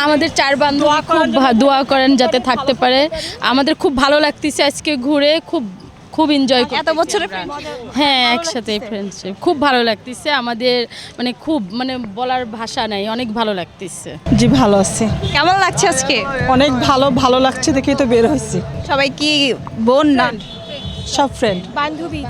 আমাদের চার বান্ধবী খুব দোয়া করেন যাতে থাকতে পারে। আমাদের খুব ভালো লাগতেছে আজকে ঘুরে, খুব খুব এনজয় করি এত বছরের হ্যাঁ একসাথে ফ্রেন্ডশিপ খুব ভালো লাগতেছে আমাদের, মানে খুব মানে বলার ভাষা নাই, অনেক ভালো লাগতেছে। জি ভালো আছি, কেমন লাগছে আজকে? অনেক ভালো লাগছে দেখেই তো বের হয়েছি। সবাই কি বোন না? সব ফ্রেন্ড বান্ধবী,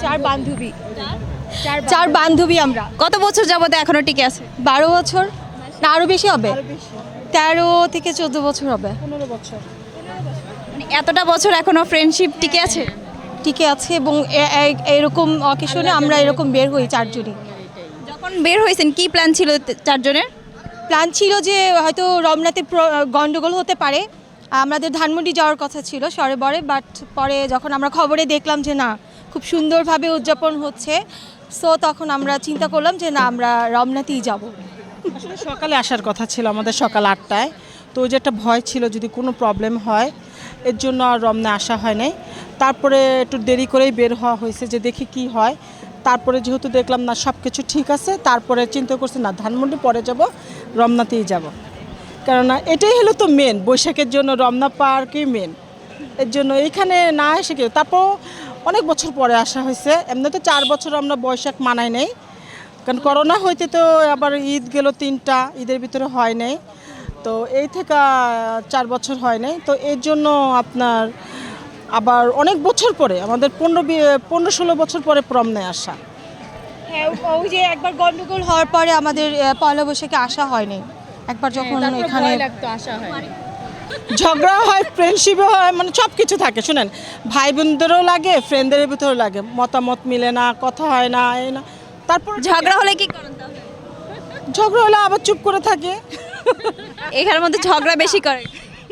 চার বান্ধবী আমরা। কত বছর যাবত এখনো টিকে আছে? 12 বছর না আরো বেশি হবে, 13 থেকে 14 বছর হবে। 15 বছর। মানে এতটা বছর এখনো ফ্রেন্ডশিপ টিকে আছে? টিকে আছে এবং এরকম অকেশনে আমরা এরকম বের হই চারজনই। যখন বের হয়েছেন কি প্ল্যান ছিল চারজনের? প্ল্যান ছিল যে হয়তো রমনাতে গন্ডগোল হতে পারে, আমাদের ধানমন্ডি যাওয়ার কথা ছিল সরে বরে, বাট পরে যখন আমরা খবরে দেখলাম যে না খুব সুন্দরভাবে উদযাপন হচ্ছে, সো তখন আমরা চিন্তা করলাম যে না আমরা রমনাতেই যাব। আসলে সকালে আসার কথা ছিল আমাদের, সকাল 8টায়। তো ওই যে একটা ভয় ছিল যদি কোনো প্রবলেম হয়, এর জন্য আর রমনা আসা হয় নাই। তারপরে একটু দেরি করেই বের হওয়া হয়েছে যে দেখি কি হয়। তারপরে যেহেতু দেখলাম না সব কিছু ঠিক আছে, তারপরে চিন্তা করছি না ধানমন্ডি পরে যাব, রমনাতেই যাব। কেননা এটাই হলো তো মেন, বৈশাখের জন্য রমনা পার্কই মেন। এর জন্য এইখানে না এসে কেউ, তারপর অনেক বছর পরে আসা হয়েছে। এমনি তো 4 বছর আমরা বৈশাখ মানাই নাই, কারণ করোনা হইতে তো আবার ঈদ গেল 3টা, ঈদের ভিতরে হয় নাই। তো এই থেকে 4 বছর হয় নাই, তো এর জন্য আপনার আবার অনেক বছর পরে আমাদের 15-16 বছর পরে রমনায় আসা। হ্যাঁ ওই যে একবার গন্ডগোল হওয়ার পরে আমাদের পয়লা বৈশাখে আসা হয়নি, একবার যখন এখানে আসা হয় ঝগড়া হয়, ফ্রেন্ডশিপও হয়, মানে সব কিছু থাকে। শুনেন, ভাই বোনদেরও লাগে, ফ্রেন্ডদের ভিতরেও লাগে, মতামত মিলে না, কথা হয় না, এই না। তারপর ঝগড়া হলে কি করেন তাহলে? ঝগড়া হলে আবার চুপ করে থাকে। এখানের মধ্যে ঝগড়া বেশি করে?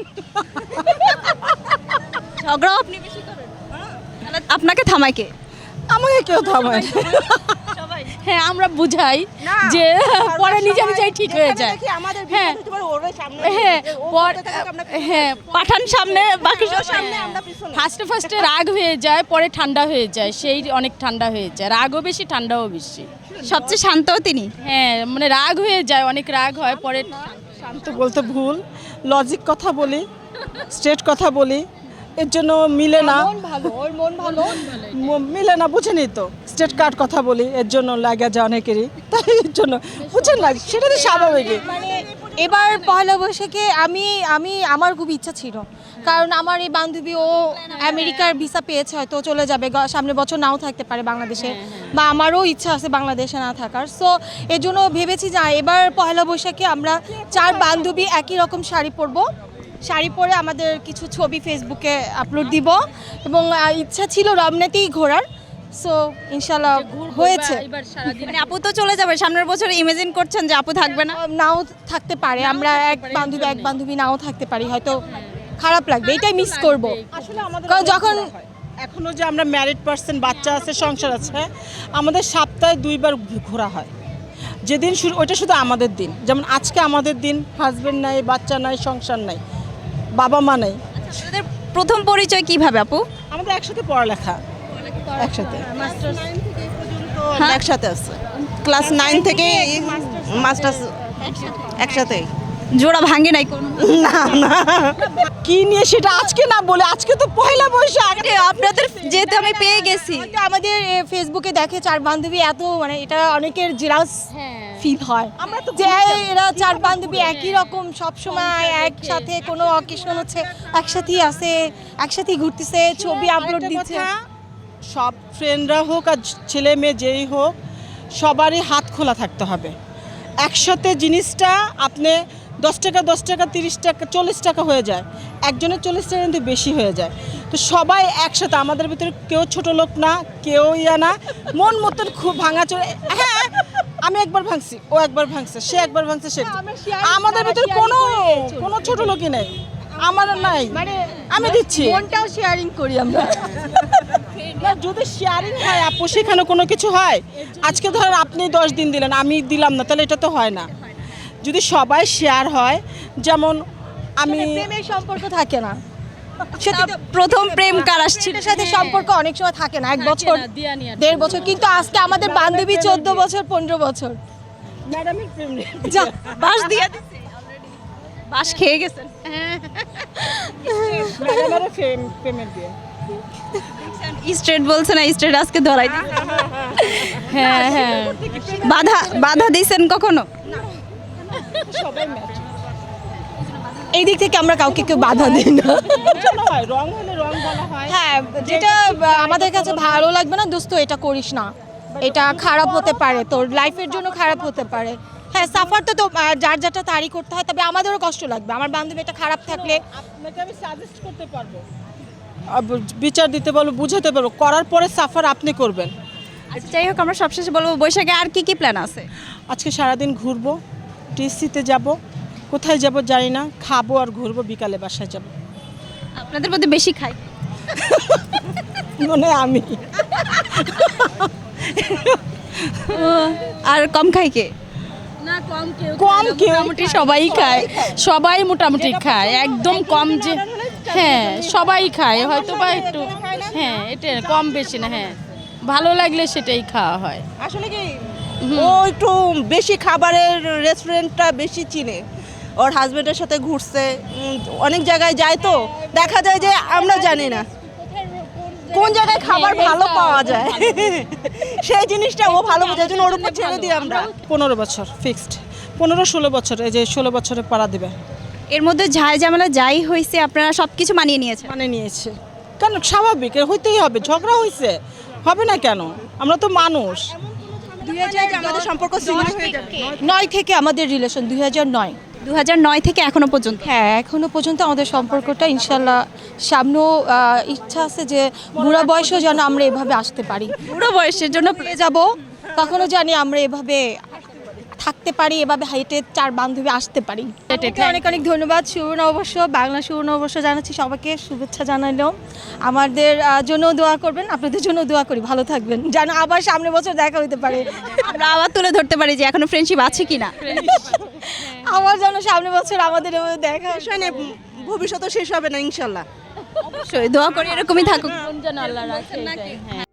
ঝগড়া আপনি বেশি করেন? তাহলে আপনাকে থামায় কে? আমাকে কেউ থামায় না। হ্যাঁ আমরা বুঝাই যে পরে নিজে নিজেই ঠিক হয়ে যায়। হ্যাঁ হ্যাঁ হ্যাঁ পাঠান সামনে, বাকি সব সামনে, আমরা ফার্স্টে রাগ হয়ে যায়, পরে ঠান্ডা হয়ে যায়, সেই অনেক ঠান্ডা হয়ে যায়, রাগও বেশি ঠান্ডাও বেশি। সবচেয়ে শান্ত তিনি। হ্যাঁ মানে রাগ হয়ে যায়, অনেক রাগ হয়, পরে শান্ত বলতে ভুল, লজিক কথা বলি, স্ট্রেট কথা বলি, এর জন্য মিলে না। মিলে না, বুঝেনি তো, স্ট্রেট কাট কথা বলি, এর জন্য লাগা যায় অনেকেরই, তাই এর জন্য বুঝেন না, সেটা তো স্বাভাবিক। মানে এবার পয়লা বৈশাখে আমার খুব ইচ্ছা ছিল, কারণ আমার এই বান্ধবী ও আমেরিকার ভিসা পেয়েছে, হয়তো চলে যাবে, সামনের বছর নাও থাকতে পারে বাংলাদেশে, বা আমারও ইচ্ছা আছে বাংলাদেশে না থাকার। সো এর জন্য ভেবেছি যে এবার পয়লা বৈশাখে আমরা 4 বান্ধবী একই রকম শাড়ি পরবো, শাড়ি পরে আমাদের কিছু ছবি ফেসবুকে আপলোড দিব, এবং ইচ্ছা ছিল রমনাতেই ঘোরার। সো ইনশাল্লাহ হয়েছে। মানে আপু তো চলে যাবে সামনের বছর, ইমাজিন করছেন যে আপু থাকবে না? নাও থাকতে পারে, আমরা এক বান্ধবী নাও থাকতে পারি, হয়তো খারাপ লাগবে, এটাই মিস করব। আসলে আমাদের কারণ যখন এখনো যে আমরা ম্যারিড পার্সন, বাচ্চা আছে, সংসার আছে, আমাদের সপ্তাহে 2 বার ঘোরা হয়। যেদিন শুরু ওইটা শুধু আমাদের দিন, যেমন আজকে আমাদের দিন, হাজবেন্ড নাই, বাচ্চা নাই, সংসার নাই, বাবা মা নাই। আপনাদের প্রথম পরিচয় কিভাবে আপু? আমাদের একসাথে পড়ালেখা, একসাথে একসাথে আছে, ক্লাস 9 থেকে মাস্টার্স একসাথে। জোড়া ভাঙে নাই কোনো? কি নিয়ে সেটা আজকে না বলে, আজকে তো পয়লা বৈশাখ। আপনাদের যেহেতু আমি পেয়ে গেছি, হয়তো আমাদের ফেসবুকে দেখে 4 বান্ধবী, এত মানে এটা অনেকের জেলাস ফিল হয় যে এরা 4 বান্ধবী একই রকম, সবসময় একসাথে, কোনো অকেশন হচ্ছে একসাথেই আছে, একসাথেই ঘুরতেছে, ছবি আপলোড দিচ্ছে। সব ফ্রেন্ডরা হোক আর ছেলে মেয়ে যেই হোক, সবারই হাত খোলা থাকতে হবে। একসাথে জিনিসটা আপনি 10 টাকা 30 টাকা 40 টাকা হয়ে যায়, একজনের 40 টাকা কিন্তু বেশি হয়ে যায়। তো সবাই একসাথে, আমাদের ভিতরে কেউ ছোট লোক না, কেউ না, মন মতন খুব ভাঙা চলে। হ্যাঁ আমি একবার ভাঙছি, ও একবার ভাঙছে, সে একবার ভাঙছে, সে, আমাদের ভিতরে কোনো ছোট লোকই নেই, আমার নাই, মানে আমি দিচ্ছি, মনটাও শেয়ারিং করি আমরা। না, যদি শেয়ারিং হয় আপু, সেখানে কোনো কিছু হয়। আজকে ধর আপনি 10 দিন দিলেন, আমি দিলাম না, তাহলে এটা তো হয় না। যদি সবাই শেয়ার হয়, যেমন আমি, প্রেমের সম্পর্ক থাকে না, প্রথম প্রেম কার আসছিল? ছেলের সাথে সম্পর্ক অনেক সময় থাকে না, 1 বছর 1.5 বছর, কিন্তু আজকে আমাদের বান্ধবী 14 বছর 15 বছর। ম্যাডামের প্রেম নেই। যা বাস দিয়ে দিছি। বাস খেয়ে গেছেন। ম্যাডামেরও পেমেন্ট দিয়ে স্ট্রেট বলছে না, স্ট্রেট আজকে ধরাই দিই। হ্যাঁ হ্যাঁ বাধা দিয়েছেন কখনো? সবাই ম্যাচ এই দিক থেকে আমরা কাউকে কেউ বাধা দিই না। বোঝানো হয়, রং হলে রং বলা হয়। হ্যাঁ, যেটা আমাদের কাছে ভালো লাগবে না দোস্ত এটা করিস না, এটা খারাপ হতে পারে, তোর লাইফের জন্য খারাপ হতে পারে। হ্যাঁ, সাফার তো যার যারটা তারই করতে হয়, তবে আমাদেরও কষ্ট লাগবে। আমার বান্ধবী এটা খারাপ থাকলে আপনাকে আমি সাজেস্ট করতে পারবো, বিচার দিতে পারবো, বুঝাতে পারবো, করার পরে সাফার আপনি করবেন। আচ্ছা, যাই হোক, আমরা সবশেষে বলবো বৈশাখে আর কি কি প্ল্যান আছে? আজকে সারাদিন ঘুরবো, টিসিতে যাব, কোথায় যাব জানি না, খাবো আর ঘুরবো, বিকালে বাসায় যাব। আপনাদের মধ্যে বেশি খাই? মানে আমি আর কম খাই কে? কম কেউ মোটামুটি সবাই খায়, সবাই মোটামুটি খায়, একদম কম যে হ্যাঁ সবাই খায়, হয়তো বা একটু হ্যাঁ এটা কম বেশি না, হ্যাঁ ভালো লাগলে সেটাই খাওয়া হয়। আসলে কি ও একটু বেশি খাবারের রেস্টুরেন্টটা বেশি চিনে, ওর হাজবেন্ডের সাথে ঘুরছে, অনেক জায়গায় যায়, তো দেখা যায় যে আমরা জানি না কোন জায়গায় খাবার ভালো পাওয়া যায়। সেই জিনিসটা ও ভালো বোঝে, জন্য ওর উপর ছেড়ে দিই আমরা। 15 বছর ফিক্সড, 15-16 বছর, এই যে 16 বছরে পাড়া দেবে। এর মধ্যে ঝামেলা যাই হয়েছে আপনারা সবকিছু মানিয়ে নিয়েছেন? মানে নিয়েছে, কেন স্বাভাবিক, হইতেই হবে, ঝগড়া হয়েছে, হবে না কেন, আমরা তো মানুষ। 2000 আমাদের সম্পর্ক সিরিয়াস হয়ে যাবে। 9 থেকে আমাদের রিলেশন, 2009। 2009 থেকে এখনো পর্যন্ত? হ্যাঁ, এখনো পর্যন্ত আমাদের সম্পর্কটা ইনশাল্লাহ সামনেও ইচ্ছা আছে যে বুড়া বয়সেও যেন আমরা এভাবে আসতে পারি, বুড়ো বয়সের জন্য পেয়ে যাব, তখনও জানি আমরা এভাবে থাকতে পারি, এভাবে হাইটে 4 বান্ধবী আসতে পারি। এটাকে অনেক অনেক ধন্যবাদ। শুভ নববর্ষ, বাংলা শুভ নববর্ষ জানাচ্ছি সবাইকে, শুভেচ্ছা জানাইলাম। আমাদের জন্য দোয়া করবেন, আপনাদের জন্য দোয়া করি, ভালো থাকবেন, যেন আবার সামনের বছর দেখা হতে পারে। আমরা আবার তুলে ধরতে পারি যে এখনো ফ্রেন্ডশিপ আছে কিনা। আমার যেন সামনের বছর আমাদের এভাবে দেখা হয়। মানে ভবিষ্যতে শেষ হবে না ইনশাল্লাহ। অবশ্যই দোয়া করি এরকমই থাকুক। যেন আল্লাহ রাখে এটাই, হ্যাঁ।